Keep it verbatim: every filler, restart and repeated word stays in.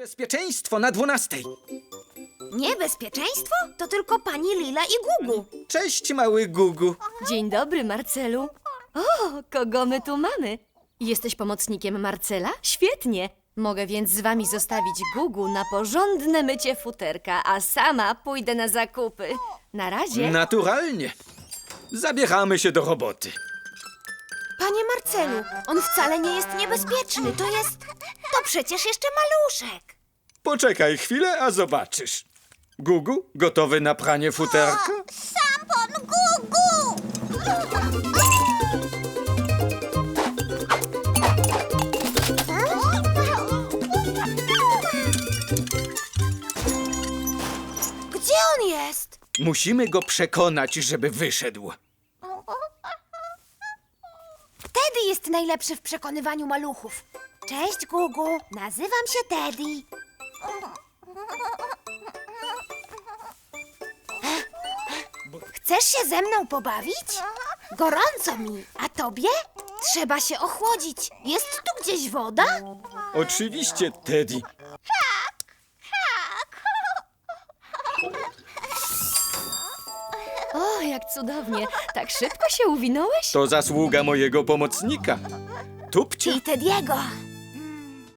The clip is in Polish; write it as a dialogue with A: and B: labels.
A: Niebezpieczeństwo na dwunastej.
B: Niebezpieczeństwo? To tylko pani Lila i Gugu.
A: Cześć, mały Gugu.
C: Dzień dobry, Marcelu. O, kogo my tu mamy? Jesteś pomocnikiem Marcela? Świetnie. Mogę więc z wami zostawić Gugu na porządne mycie futerka, a sama pójdę na zakupy. Na razie.
A: Naturalnie. Zabieramy się do roboty.
B: Panie Marcelu, on wcale nie jest niebezpieczny. To jest... To przecież jeszcze maluszek.
A: Poczekaj chwilę, a zobaczysz. Gugu, gotowy na pranie futerka?
D: Szampon Gugu!
B: Gdzie on jest?
A: Musimy go przekonać, żeby wyszedł.
B: Teddy jest najlepszy w przekonywaniu maluchów. Cześć, Gugu. Nazywam się Teddy. Chcesz się ze mną pobawić? Gorąco mi. A tobie? Trzeba się ochłodzić. Jest tu gdzieś woda?
A: Oczywiście, Teddy.
C: O, jak cudownie. Tak szybko się uwinąłeś?
A: To zasługa mojego pomocnika. Tupcia.
B: I Teddy'ego.